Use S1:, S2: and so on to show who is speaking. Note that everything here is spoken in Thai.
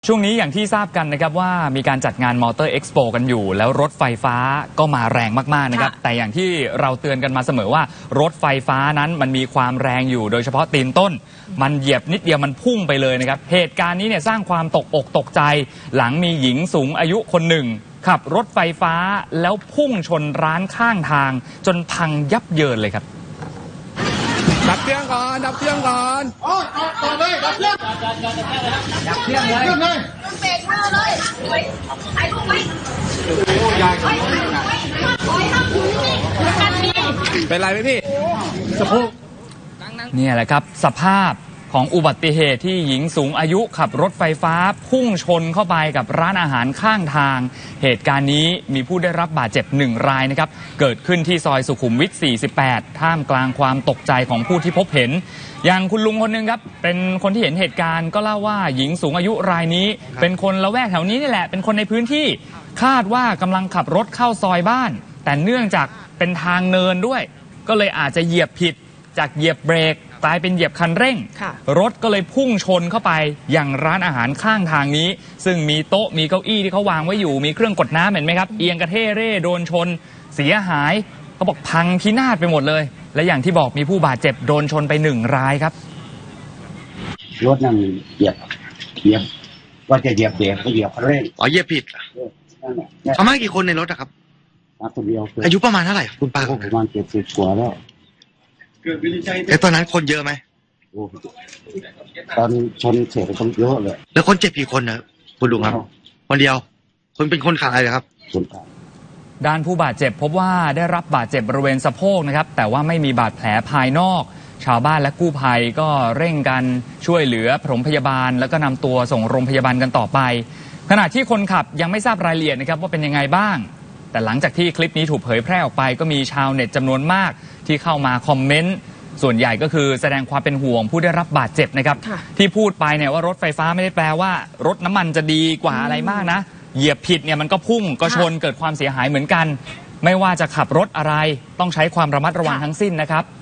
S1: ช่วงนี้อย่างที่ทราบกันนะครับว่ามีการจัดงานมอเตอร์เอ็กซ์โปกันอยู่แล้วรถไฟฟ้าก็มาแรงมากๆนะครับแต่อย่างที่เราเตือนกันมาเสมอว่ารถไฟฟ้านั้นมันมีความแรงอยู่โดยเฉพาะตีนต้นมันเหยียบนิดเดียวมันพุ่งไปเลยนะครับเหตุการณ์นี้เนี่ยสร้างความตกอกตกใจหลังมีหญิงสูงอายุคนหนึ่งขับรถไฟฟ้าแล้วพุ่งชนร้านข้างทางจนพังยับเยินเลยครับ
S2: ดับเครื่องก่อนดับเครื่องก่อนต่อเลยดับเครื่องดับเครื่องเลยเบรกมือเลยไอ้ลูกไว้โอ้ยายเป็นไรไหมพี่สะโพก
S1: เนี่ยแหละครับสภาพของอุบัติเหตุที่หญิงสูงอายุขับรถไฟฟ้าพุ่งชนเข้าไปกับร้านอาหารข้างทางเหตุการณ์นี้มีผู้ได้รับบาดเจ็บ1 รายนะครับเกิดขึ้นที่ซอยสุขุมวิท 48 ท่ามกลางความตกใจของผู้ที่พบเห็นอย่างคุณลุงคนนึงครับเป็นคนที่เห็นเหตุการณ์ก็เล่าว่าหญิงสูงอายุรายนี้เป็นคนละแวกแถวนี้นี่แหละเป็นคนในพื้นที่คาดว่ากำลังขับรถเข้าซอยบ้านแต่เนื่องจากเป็นทางเนินด้วยก็เลยอาจจะเหยียบผิดจากเหยียบเบรกกลายเป็นเหยียบคันเร่งรถก็เลยพุ่งชนเข้าไปอย่างร้านอาหารข้างทางนี้ซึ่งมีโต๊ะมีเก้าอี้ที่เขาวางไว้อยู่มีเครื่องกดน้ำเห็นไหมครับเอียงกระเท่เร่โดนชนเสียหายเขาบอกพังพินาศไปหมดเลยและอย่างที่บอกมีผู้บาดเจ็บโดนชนไป1 รายครับ
S3: รถนั่นเหยียบว่าจะเหยียบเบรกก็เหยียบคันเร่ง
S4: เหยียบผิดเขามากี่คนในรถอะครับ
S3: มาคนเดียว
S4: อายุประมาณเท่าไหร่คุณป้า
S3: ประมาณ70 กว่าแล้ว
S4: แต่ตอนนั้นคนเยอะไหม
S3: ตอนชนเสร็จคนเยอะเลย
S4: แล้วคนเจ็บกี่คนนะคุณลุงครับคนเดียวคนเป็นคนขับอะไรครับ
S1: ด้านผู้บาดเจ็บพบว่าได้รับบาดเจ็บบริเวณสะโพกนะครับแต่ว่าไม่มีบาดแผลภายนอกชาวบ้านและกู้ภัยก็เร่งกันช่วยเหลือปฐมพยาบาลแล้วก็นำตัวส่งโรงพยาบาลกันต่อไปขณะที่คนขับยังไม่ทราบรายละเอียดนะครับว่าเป็นยังไงบ้างแต่หลังจากที่คลิปนี้ถูกเผยแพร่ออกไปก็มีชาวเน็ตจำนวนมากที่เข้ามาคอมเมนต์ส่วนใหญ่ก็คือแสดงความเป็นห่วงผู้ได้รับบาดเจ็บนะครับที่พูดไปเนี่ยว่ารถไฟฟ้าไม่ได้แปลว่ารถน้ำมันจะดีกว่าอะไรมากนะเหยียบผิดเนี่ยมันก็พุ่งก็ชนเกิดความเสียหายเหมือนกันไม่ว่าจะขับรถอะไรต้องใช้ความระมัดระวังทั้งสิ้นนะครับ